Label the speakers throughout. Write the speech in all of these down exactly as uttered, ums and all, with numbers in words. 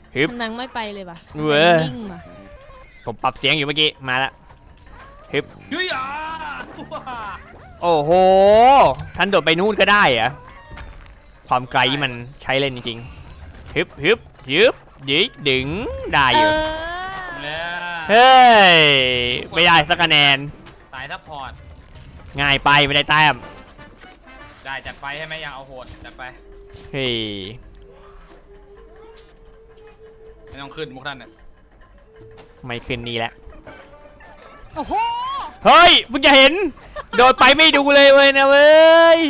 Speaker 1: ฮึบ
Speaker 2: มันนังไม่ไปเลยป่ะ
Speaker 1: เว้ย
Speaker 2: นิ่งป่ะ
Speaker 1: ผมปรับเสียงอยู่เมื่อกี้มาแล้วฮึบ
Speaker 3: เฮ้ยอ่ะ
Speaker 1: โอ้โหท่านโดดไปนู่นก็ได้เหรอะความไกลมันใช้เล่นจริงๆฮึบฮึบฮึบยิงดึงได้
Speaker 2: เอ
Speaker 1: อยู่
Speaker 2: อ
Speaker 3: เนี่ย
Speaker 1: เฮ้ยไม่ได้สักคะแนน
Speaker 3: สายซัพพอร์ต
Speaker 1: ง่ายไปไม่ได้แต้ม
Speaker 3: ได้จัดไปให้ไหมยังเอาโหดจัดไป
Speaker 1: เฮ้ย
Speaker 3: ไม่ต้องขึ้นมุกท่านเนี่ย
Speaker 1: ไม่ขึ้นนี่แหละ
Speaker 2: โอ้โห
Speaker 1: เฮ้ยเพิ่งจะเห็นโดดไปไม่ดูเลยเว้ยนะเว้ย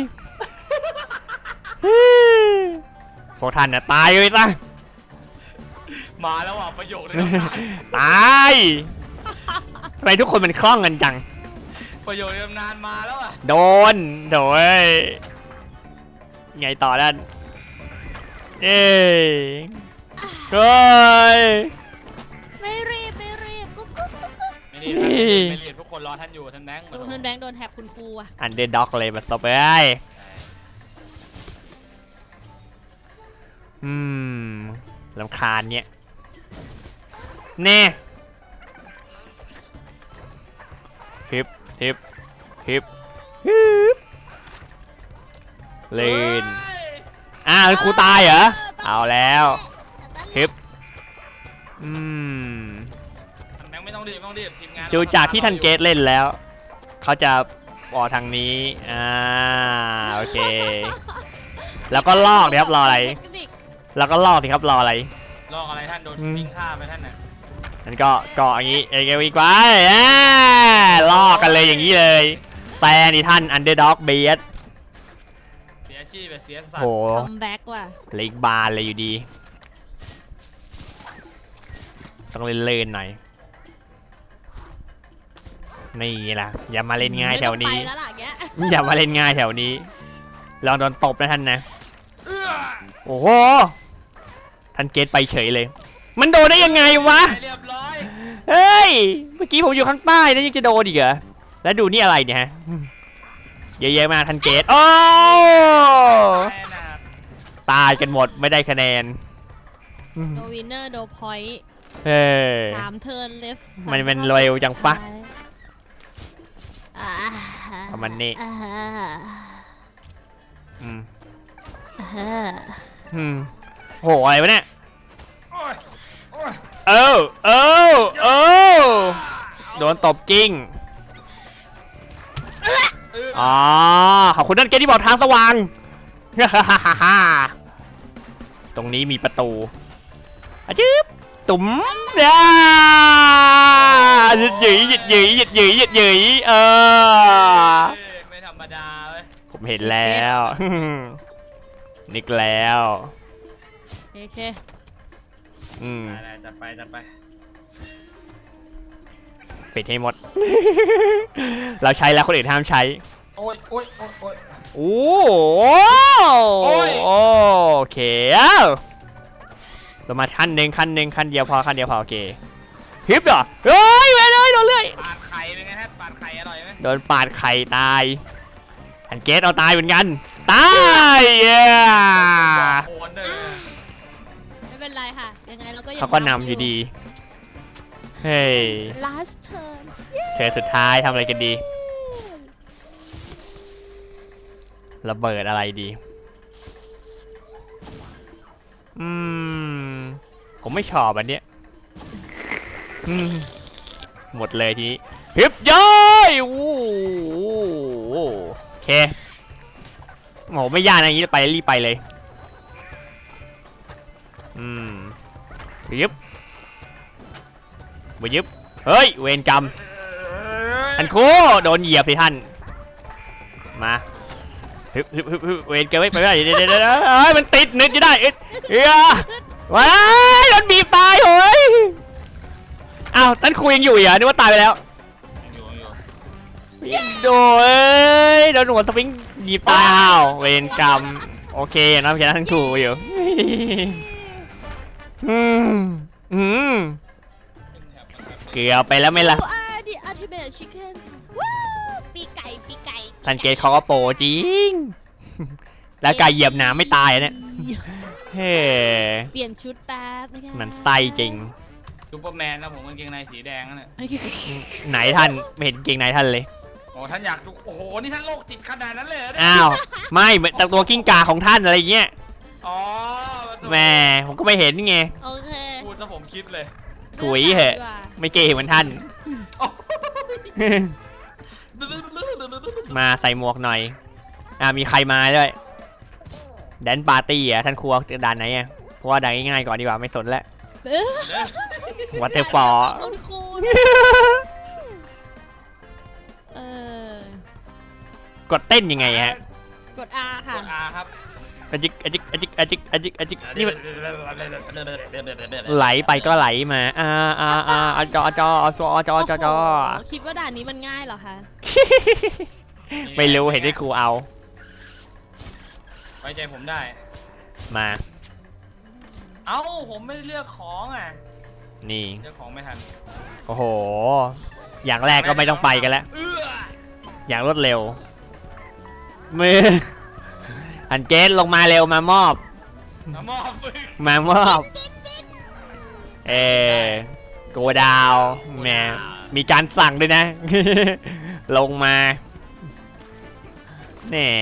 Speaker 1: พวกท่านน่ะตายเลยซะ
Speaker 3: มาแล้วอ่ะประโยคนี้
Speaker 1: ตายทำไมทุกคนมันคล่องกันจัง
Speaker 3: ประโยคนี้นานมาแล้วอ่ะ
Speaker 1: โดนโดยไงต่อด้านเอ้ยเฮ้ย
Speaker 2: ไม่รีบไม่รีบกุ๊กกุ๊กกุ๊กกุ๊ก
Speaker 3: ไม่รีบไม่รีบทุกคนรอท่านอยู่ท่านแบงค์
Speaker 2: โดนเทิร์นแบงค์โดนแท็บคุณครูอ่ะ
Speaker 1: อันเดอร์ด็อกเลยมาซบเอ้ยอืมลำคาญเนี่ยเน่ฮิปฮิปฮิปฮิปเลนอ้าวครูตายเหรอเอาแล้วฮิปอืม
Speaker 3: ท่านแบงค์ไม่ต้องรีบไม่ต้องรีบทีมงาน
Speaker 1: ดูจากที่ท่านเกตเล่นแล้ว เขาจะออกทางนี้อ่าโอเค แล้วก็ลอกดิครับรออะไร
Speaker 2: เทคนิค
Speaker 1: แล้วก็ลอกดิครับรออะไร
Speaker 3: ลอกอะไรท่านโดน
Speaker 1: อืม
Speaker 3: ทิ้งฆ่าไปท่านน่ะ
Speaker 1: นั่นก็เกาะอย่างนี้เอเกวีกไว้อ่าลอกกันเลยอย่างนี้เลยแฟนนี่ท่านอันเดอร์ด็อกเบียด
Speaker 3: เสียชีพไปเสียสัต
Speaker 1: โห
Speaker 3: ว์
Speaker 2: คัมแบ็กว่ะ
Speaker 1: เหล็กบานเลยอยู่ดี ต้องเล่นๆหน่อยนี่ล่ะอย่ามาเล่นง่ายแถวนี้
Speaker 2: ไม่ต้องไปแล้วล่ะแก
Speaker 1: อย่ามาเล่นง่ายแถวนี้ลองโดนตบนะท่านนะ
Speaker 3: เอื้อ
Speaker 1: โอ้โหท่านเกตไปเฉยเลย มันโดนได้ยังไงวะ
Speaker 3: เรียบร้อย
Speaker 1: เฮ้ยเมื่อกี้ผมอยู่ข้างใต้นะยังจะโดนอีกเหรอแล้วดูนี่อะไรเนี่ยฮะเยอะๆมากท่านเกตโอ้
Speaker 3: แน่นะ
Speaker 1: ตายกันหมดไม่ได้คะแนน
Speaker 2: โดวินเนอร์โดพอยต์
Speaker 1: เฮ้ย
Speaker 2: สามเทิร์นเลฟ
Speaker 1: มันเป็นเร็วจังปะ
Speaker 2: อ่า
Speaker 1: ประมาณนี้
Speaker 2: อ่า
Speaker 1: อืม
Speaker 2: อ่า
Speaker 1: อืมโหอะไรวะเนี่ย
Speaker 3: โอ้ยโอ้ย
Speaker 1: เออเออเออโดนตบกิ้ง
Speaker 3: เอื้อ
Speaker 1: อ๋อขอบคุณท่านเกตที่บอกทางสว่าง ตรงนี้มีประตูอะจิ๊บตุ๋มอ่าหยุดหยุยหยุดหยุยหยุดหยุยหยุดหยุยเออ
Speaker 3: ไม่ธรรมดาเว้ย
Speaker 1: ผมเห็นแล้ว นึกแล้ว
Speaker 2: โอเค
Speaker 1: อืม
Speaker 3: ได้ๆจัดไปจัดไป
Speaker 1: ปิดให้หมด เราใช้แล้วคนอื่นห้ามใช้
Speaker 3: โอ้ยโอ้ยโอ้ยโอ้ย
Speaker 1: โอ้
Speaker 3: โอ้ย
Speaker 1: โอเคเรามาขั้นหนึ่งขั้นหนึ่งขั้นเดียวพอขั้นเดียวพอโอเคฮิปเหรอเฮ้ยไปเลยโดนเลื่อย
Speaker 3: ปาดไข่เป็นไงฮะปาดไข่อร่อยไหม
Speaker 1: โดนปาดไข่ตายอันเกตเอาตายเหมือนกันตายเย้
Speaker 3: โอนเลย
Speaker 2: ไม่เป็นไรค่ะ ยังไงเราก็ยัง
Speaker 1: เขาก็นำอยู่ดีเฮ้ย
Speaker 2: last turn
Speaker 1: เธอสุดท้ายทำอะไรกันดีระเบิดอะไรดีอืมผมไม่ชอบอันเนี้ยอืมหมดเลยทีนี้ฮึบย้อยโอ้โหโอเคโหไม่ยากนะอย่างนี้ไปรีบไปเลยอืมยึบไปยึบเฮ้ยเวรกรรมท่านครูโดนเหยียบสิท่านมาฮึบฮึบฮึบฮึบเวรเกินไม่ไปไม่ได้เดี๋ยวเดี๋ยวเดี๋ยวเฮ้ยมันติดนึกจะได้เอ้ยเอ้ยว้ายโดนบีบตายเฮ้ยอ้าวท่านครูยังอยู่เหรอนึกว่าตายไปแล้ว
Speaker 3: อยู่อยู่
Speaker 1: โดยโดนหัวสปริงบีบตายอ้าวเวรกรรมโอเคอย่างน้อยแค่ท่านครูอยู่อืมอืมเกือบไปแล้วไหมล่ะ
Speaker 2: You are the ultimate chicken ว้าวปีไก่ปีไก่
Speaker 1: ทันเกตเขาก็โปรจริง แล้วไก่เหยียบหนาไม่ตายอะเนี่ยเฮ้
Speaker 2: เปลี่ยนชุดแป๊บนะคะ
Speaker 1: มันไส้จริง
Speaker 3: ซูเปอร์แมนนะผมกางเกงในสีแดงนั่นแหละ
Speaker 1: ไหนท่านไม่เห็นเกงในท่านเลย
Speaker 3: โอ้ท่านอยากดูโอ้โหนี่ท่านโรคจิตขนาดนั้นเลยเหรอเนี่ย
Speaker 1: อ้าวไม่เหมือนแต่ตัวกิ้งก่าของท่านอะไรเงี้ย
Speaker 3: อ๋อ
Speaker 1: แหม่ผมก็ไม่เห็นไง
Speaker 2: โอเค
Speaker 3: พูดซะผมคิดเลย
Speaker 1: ถุยเหอะ
Speaker 2: ดีกว่า
Speaker 1: ไม่เกย์เหมือนท่าน มาใส่หมวกหน่อยอ่ามีใครมาด้วยแดนปาร์ตี้อ่ะท่านครัวด่านไหนอ่ะเพราะว่าด่านง่ายๆก่อนดีกว่าไม่สนแล้ว
Speaker 2: เอ้ย
Speaker 1: วัตเตอร์ฟอร์
Speaker 2: คุณคุณเออก
Speaker 1: ดเต้นยังไงฮะ
Speaker 2: กด R ค่ะ
Speaker 3: กดอาครับ
Speaker 1: อจิกอจิกอจิกอจิกอจิกอจิกนี่มันไหลไปก็ไหลมาอ่าอ่าอ่าอ่าจอจอจอจอจอจอ
Speaker 2: โโหคิดว่าด่านนี้มันง่ายเหรอคะ
Speaker 1: ไม่รู้เห็นที่ครูเอา
Speaker 3: ไว้ใจผมได้
Speaker 1: มา
Speaker 3: เอ้าผมไม่ได้เลือกของอ่ะ
Speaker 1: นี่
Speaker 3: เลือกของไม่ทัน
Speaker 1: โอ้โหอย่างแรกก็ไม่ต้องไปกันแล้ว
Speaker 3: เอื้อ
Speaker 1: อย่างรวดเร็วมืออันเกสลงมาเร็วมามอบ
Speaker 3: น้ำมอบมึง
Speaker 1: มามอบเออโกดาวแหมมีการสั่งด้วยนะ ลงมาแหน่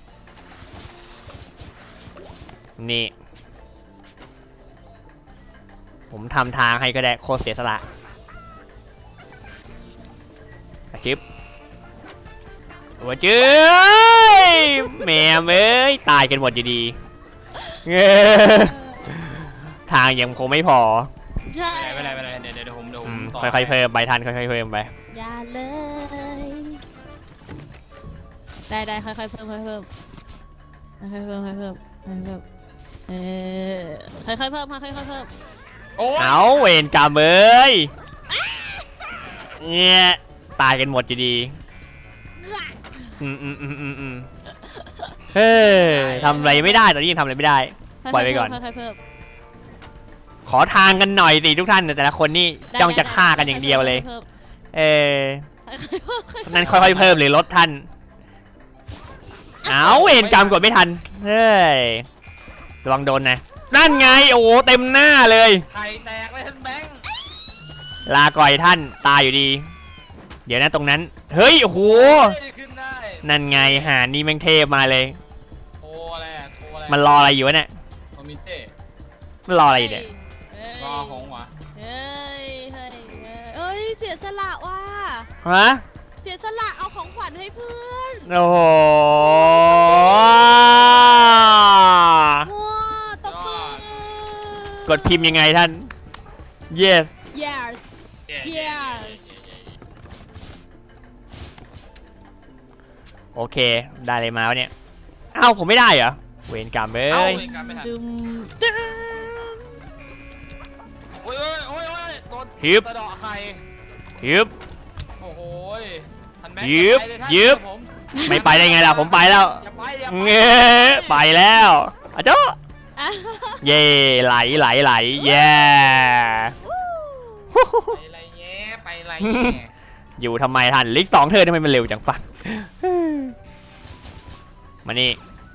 Speaker 1: นี่ผมทำทางให้ก็ได้โคตรเสียสละอาชิบโอ้จื้ยแม่เอ้ยตายกันหมดอยู่ดีเง้อทางยังคงไม่พอ
Speaker 2: ใช่
Speaker 3: ไม่เป็นไรไม่เป็นไรเดี๋ยวเดี๋ยวผมเดี๋ยวผ
Speaker 1: อื
Speaker 3: ม
Speaker 1: ม
Speaker 3: ต่อ
Speaker 1: ค่อยๆเพิ่มไปทันค่อยๆเพิ่มไป
Speaker 2: อย่าเลย ได้ได้ค่อยๆเพิ่มค่อยๆเพิ่มค่อยๆเพิ่มค่อยๆเพิ่มค่อยๆเพิ่มเออค่อยๆเพิ่มค่อยๆเพิ่ม
Speaker 3: โอ้ย
Speaker 1: เอาเวรกรรมเอ้ยเนี่ยตายกันหมดอยู่ดีอืมอืมอืมอืมอืมเฮ้ยทำอะไรไม่ได้ตอนนี้ยังทำอะไรไม่ได้ ปล่อยไปก่อน
Speaker 2: ค่อยๆเพิ่ม
Speaker 1: ขอทางกันหน่อยสิทุกท่านแต่ละคนนี่
Speaker 2: ได้
Speaker 1: จ้องจะ
Speaker 2: ได้
Speaker 1: ฆ่ากันอย่างเดียวเลย
Speaker 2: พิ่ม
Speaker 1: เออ
Speaker 2: ค่อยๆเพิ่ม
Speaker 1: นั่นค่อยๆเพิ่มหรือลดท่านเอาเวรกรรมกดไม่ทันเฮ้ยระวังโดนนะนั่นไงโอ้โหเต็มหน้าเลย
Speaker 3: ไข่แตกเลยท่านแบงค์
Speaker 1: ลาก่อยท่านตายอยู่ดี เดี๋ยวนะตรงนั้นเฮ้ยโอ้โห
Speaker 3: เฮ้ยขึ้นได้
Speaker 1: นั่นไงหานี่แม่งเทพมาเลย
Speaker 3: โทรอะไรอะโทรอะไร
Speaker 1: มันรออะไรอยู่วะเนี่ย
Speaker 3: คอมมิเต้
Speaker 1: มันรออะไรอยู่เนี่ย
Speaker 2: เฮ้ย
Speaker 3: รอของวะ
Speaker 2: เฮ้ยเฮ้ยเฮ้ยเสียสละว่ะ
Speaker 1: ฮะ
Speaker 2: เสียสละเอาของขวัญให้เพื่อน
Speaker 1: โอ้โห
Speaker 2: ว้าตบมือก
Speaker 1: ดพิมพ์ยังไงท่าน yes
Speaker 2: yes
Speaker 3: เย้
Speaker 2: yes
Speaker 1: โอเคได้เลยมาวะเนี่ยอ้าวผมไม่ได้เหรอเวรกรรมเอ้
Speaker 3: เอ้าย เวรกรรมไม่ทัน
Speaker 2: ดึมดึม
Speaker 3: โอ้ยโอ้ยโอ้ยโอ้ยโดน
Speaker 1: ฮึบ
Speaker 3: ตะเดาะไข่
Speaker 1: ยึบ
Speaker 3: โอ้โหยท่านแบงค์
Speaker 1: ยึบ
Speaker 3: ไปเลยท่าน
Speaker 1: ยึบ
Speaker 3: เดี๋วผม
Speaker 1: ไม่ไปได้ไงล่ะผมไปแล้ว
Speaker 3: อย่าไปอย่า
Speaker 1: เงี้ยไปแล้วอะเจ้า
Speaker 2: อ่ะ
Speaker 1: เย่ไหลไหลไหลเย่
Speaker 3: ไปอะไรเงี้ยไปอะไรเงี้ย
Speaker 1: อยู่ทำไมทันลิกสองเธอทำไมมันเร็วจังฟังมานี่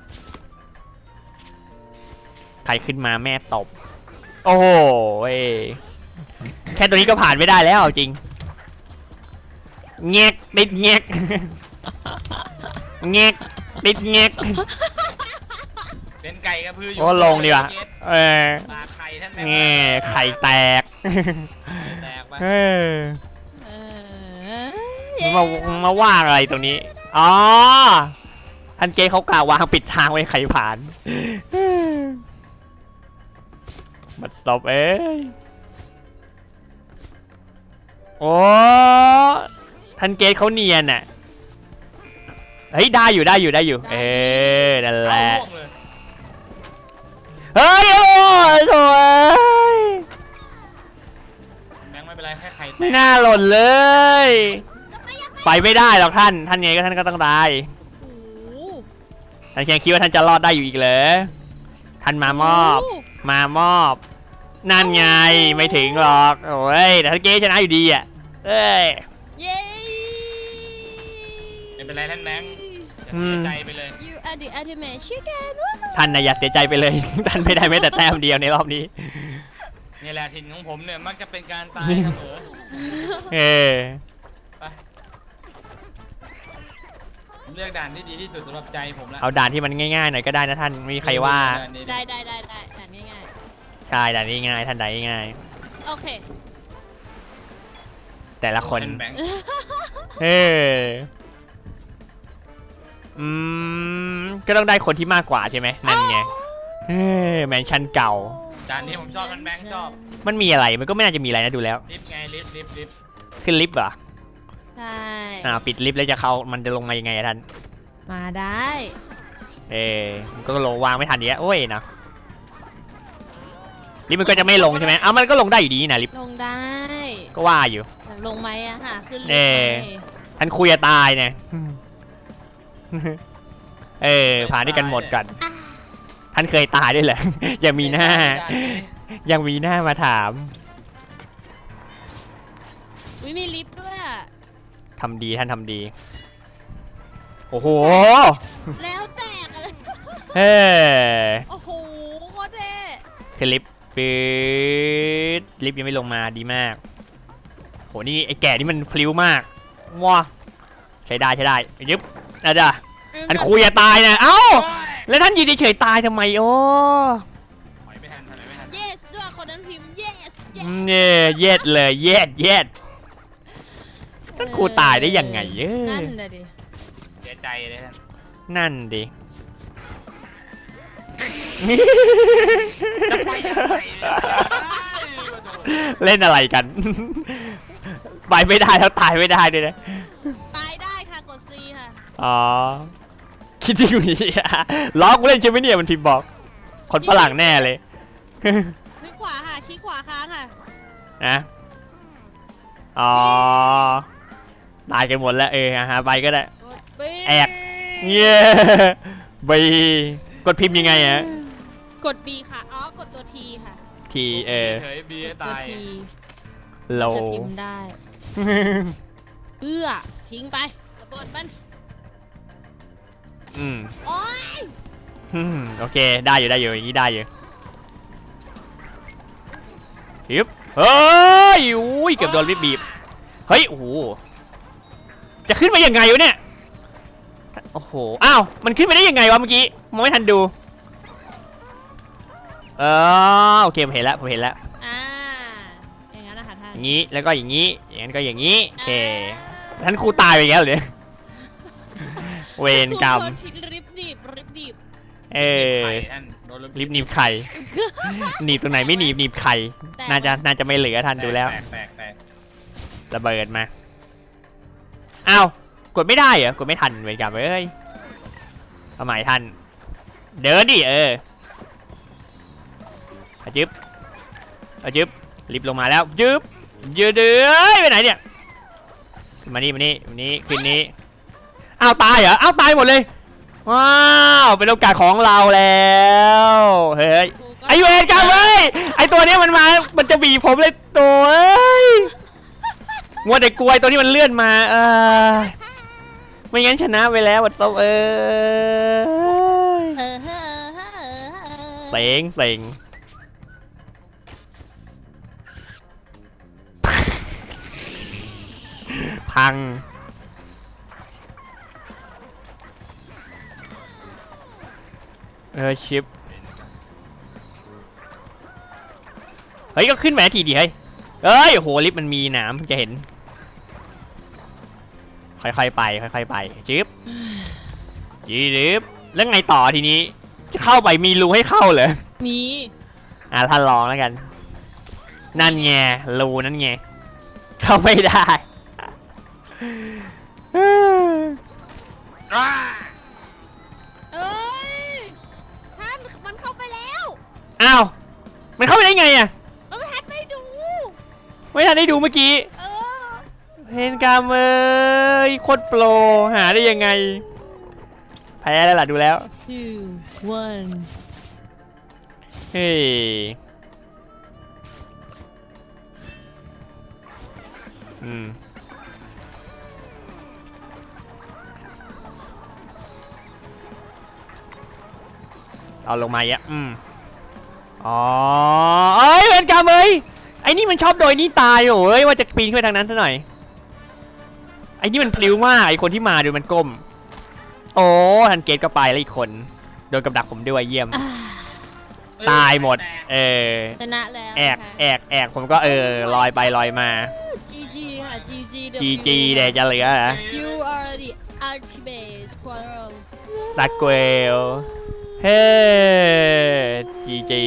Speaker 1: ใครขึ้นมาแม่ตบโอ้โหแค่ตัวนี้ก็ผ่านไม่ได้แล้วจริงเงกติดเงกเงกติดเงก
Speaker 3: เป็นไก่กระพืออยู่
Speaker 1: โอ้ลงดีกว่าเออ
Speaker 3: ปลาไข่ท่านแบง
Speaker 1: เงี้ยไข่แตก
Speaker 3: แตกไป
Speaker 1: เออ
Speaker 2: เออ
Speaker 1: มามาว่างอะไรตรงนี้อ๋อท่านเกย์เขากล่าววางปิดทางไว้ใครผ่านบัดซบเอ้ยโอ้ท่านเกย์เขาเนียนอ่ะเฮ้ยได้อยู่ได้อยู่ได้อยู่เออนั่นแหละ
Speaker 3: เอาล่วงเลย
Speaker 1: เฮ้ยโอ้ยโถ่เอ้ย
Speaker 3: แบงค์ไม่เป็นไรแค่ไข่แต
Speaker 1: ไม่
Speaker 3: ก
Speaker 1: น่าหล่นเลย ไปไม่ได้หรอกท่านท่านไงก็ท่านก็ต้องตาย
Speaker 2: โอ้โห
Speaker 1: ท่านแค่คิดว่าท่านจะรอดได้อยู่อีกเหรอท่านมามอบ มามอบนั่นไงไม่ถึงหรอกโอ้ยแต่ท่านเกย์ชนะอยู่ดีอ่ะเอ้ย
Speaker 2: เย้
Speaker 3: ไม่เป็นไรท่านแบงค์อย่า
Speaker 1: อืม
Speaker 3: ใจไปเลย
Speaker 2: you are the ultimate chicken วู้
Speaker 1: ท่านนะอย่าเสียใจไปเลย ท่านไม่ได้แม้แต่แต้มเดียวในรอบนี้
Speaker 3: นี่แหละถิ่นของผมเนี่ยมักจะเป็นการตายเสมอ
Speaker 1: เออ
Speaker 3: ไปผมเลือกด่านที่ดีที่สุดสำหรับใจผมละ
Speaker 1: เอาด่านที่มันง่ายๆหน่อยก็ได้นะท่านไม่มีใครว่า
Speaker 3: ด่นนี้
Speaker 2: ได้ได้ได้ได้อ่านง่าย
Speaker 1: ใช่ด่านนี้ง่ายท่านใดง่าย
Speaker 2: ๆโอเค
Speaker 1: แต่ละคน
Speaker 3: เป็นแบงค์
Speaker 1: เอออืมก็ต้องได้คนที่มากกว่าใช่ไหมนั่นไงเออแมนชั่นเก่า
Speaker 3: ด่านนี้ผมชอบมันแบงค์ชอบ
Speaker 1: มันมีอะไรมันก็ไม่น่าจะมีอะไรนะดูแล้ว
Speaker 3: ลิฟต์ไงลิฟต์ลิฟต์ลิฟต์
Speaker 1: ขึ้นลิฟต์เหรอ
Speaker 2: ใช่
Speaker 1: อ่าปิดลิฟต์แล้วจะเข้ามันจะลงมายังไงอะท่าน
Speaker 2: มาได้
Speaker 1: เออมันก็ลงวางไม่ทันเนี้ยโอ้ยนะลิฟต์มันก็จะไม่ลงใช่ไหมอ้าวมันก็ลงได้อยู่ดีนะลิฟต์
Speaker 2: ลงได้
Speaker 1: ก็ว่าอยู่
Speaker 2: ลงไหมอะค่ะขึ้นลง
Speaker 1: เอ
Speaker 2: ไหม
Speaker 1: อ ท่านคุยจะตายเนี่ย เออผ่านด้วยกันหมดกัน ท่านเคยตายด้วยเหรอ ยังมีหน้า
Speaker 3: ด่นนี้
Speaker 1: ยังมีหน้ามาถาม
Speaker 2: วิมีลิฟต์ด้วยอะ
Speaker 1: ทำดีท่านทำดี โอ้โห
Speaker 2: แล้วแตกเลย
Speaker 1: เฮ้ย
Speaker 2: โอ้โหโคตรเท่
Speaker 1: คือลิฟต์ปื๊ดลิฟต์ยังไม่ลงมาดีมากโหนี่ไอ้แก่นี่มันพลิ้วมากว้าใช้ได้ใช้ได้ยึบอ่ะจ้ะอันคุยจะตายนะเอ้า
Speaker 3: โอ้ย
Speaker 1: แล้วท่านยืนเฉยๆตายทำไมโอ้
Speaker 3: ถอยไม่ทันถอยไม่ทัน
Speaker 2: yes ด้วยคนนั้นพิมพ์ yes
Speaker 1: อืมเนี่ยเย็ดเลยเย็ดเย็ดท่านครูตายได้ยังไงเออ
Speaker 2: นั่นน่ะดิ
Speaker 3: เสียใจเลยท่าน
Speaker 1: นั่นดิ
Speaker 3: จะไปยังไงเนี่ย
Speaker 1: เล่นอะไรกัน ไปไม่ได้แล้วตายไม่ได้ด้วยนะ
Speaker 2: ตายได้ค่ะกด C ค่ะ
Speaker 1: อ๋อ คิดที่อยู่นี่ล้อกูเล่นใช่ไหมเนี่ยมันทีมบอก คนฝรั่งแน่เลย
Speaker 2: คลิกขวาค่ะคลิกขวาค้างค่ะ
Speaker 1: นะ อ๋อ ตายกันหมดแล้วเออฮะไปก็ได้
Speaker 2: กด B
Speaker 1: แอก เย้บีกดพิมพ์ยังไงอะ
Speaker 2: กด B ค่ะ อ๋อ กดตัว T ค่ะ
Speaker 1: ทีเออ
Speaker 3: เฮ้ยบีให้
Speaker 2: ตัว
Speaker 3: ตาย
Speaker 2: T
Speaker 1: โล
Speaker 2: จะพิมพ์ได้เอื้อทิ้งไประเบิดมัน
Speaker 1: อืม
Speaker 2: โอ๊ย
Speaker 1: อืมโอเคได้อยู่ได้อยู่อย่างนี้ได้อยู่ฮึบเฮ้ยอุ้ยเกือบโดนบีบเฮ้ยโอ้โหจะขึ้นไปยังไงวะเนี่ยโอ้โหอ้าวมันขึ้นไปได้ยังไงวะเมื่อกี้มองไม่ทันดูเออโอเคผมเห็นแล้วผมเห็นแล้ว
Speaker 2: อ่า อย่างนั้นนะคะท่าน
Speaker 1: อย่างนี้แล้วก็อย่างนี้อย่างนั้นก็อย่างนี้โอเคท่านครูตายไปแล้วเหรอเวรกรรม
Speaker 2: โดนทิ้งริบดีบริบดีบ
Speaker 1: เออ
Speaker 3: ไข่ท่านโดน
Speaker 1: รีบหนีบไข่หนีบตรงไหนไม่หนีบหนีบไข่น่าจะน่าจะไม่เหลือท่านดูแล้ว
Speaker 3: แตกแตกแตก
Speaker 1: ระเบิดมาอ้าวกดไม่ได้เหรอกดไม่ทันเวรกรรมเอ้ยเอาใหม่ทันเดินดิเออเอาจึ๊บเอาจึ๊บรีบลงมาแล้วจึ๊บยืดเดือยไปไหนเนี่ยมานี่มานี่มานี่คืนนี้อ้าวตายเหรออ้าวตายหมดเลยว้าวเป็นโอกาสของเราแล้วเฮ้ยไอเวรกรรมเว้ยไอตัวเนี้ยมันมามันจะบีบผมเลยตัวเอ้ยมัวแต่กลัวไอ้ตัวนี้มันเลื่อนมาเออไม่งั้นชนะไปแล้ววัดโตเอ้ย
Speaker 2: เออเออเออเออเออ
Speaker 1: เซ็งเซ็งพังเออชิปเฮ้ยก็ขึ้นมาทีดีเฮ้ยเอ้ยโหลิฟต์มันมีหนามเพิ่งจะเห็นค่อยๆไปค่อยๆไปจิ๊บจิ๊บแล้วไงต่อทีนี้จะเข้าไปมีรูให้เข้าเหรอ
Speaker 2: มี
Speaker 1: อ่ะท่านลองแล้วกันนั่นไงรูนั่นไงเข้าไม่ได้
Speaker 3: อ้า
Speaker 2: เอ้ย ท่านมันเข้าไปแล้ว
Speaker 1: อ้าวมันเข้าไปได้ไงอ่ะ
Speaker 2: เออท่านไม่ดู
Speaker 1: ไม่ทันได้ดูเมื่อกี้
Speaker 2: เออ
Speaker 1: เพนกามเอ้ยโคตรโปรหาได้ยังไงแพ้แล้วล่ะดูแล้ว
Speaker 2: two one
Speaker 1: เฮ้ยอืมเอาลงมาเยอะอืมอ๋อเอ้ยเวรกรรมเอ้ยไอ้นี่มันชอบโดยนี่ตายโอ้ยว่าจะปีนขึ้นไปทางนั้นซะหน่อยไอ้นี่มันพลิ้วมากไอ้คนที่มาดูมันก้มโอ้ทันเกตก็ไปแล้วอีกคนโดนกับดักผมด้วยเยี่ยมตายหมดเออ
Speaker 2: ชนะแล้ว
Speaker 1: แอกแอกแอกผมก็เออลอยไปลอยมา
Speaker 2: จีจีค่ะจีจี
Speaker 1: จีจีเดี๋ยวจะเหลือเหรอ
Speaker 2: You are the ultimate squirrel
Speaker 1: สักเกลเฮ้จีจี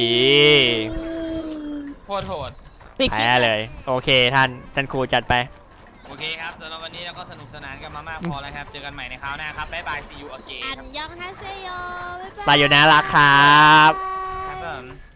Speaker 3: โคตรโหด
Speaker 2: ปิดคลิ
Speaker 1: แพ้
Speaker 2: ป
Speaker 1: เลยโอเคท่านท่านครูจัดไป
Speaker 3: โอเคครับสำหรับวันนี้เราก็สนุกสนานกันมามากพอแล้วครับเจอกันใหม่ในคราวหน้าครับบ๊ายบาย see you again
Speaker 2: อัน
Speaker 3: ครับ
Speaker 2: ยองฮาเซโยบ๊ายบาย
Speaker 1: ไซโยนาราครับ
Speaker 3: ครับผม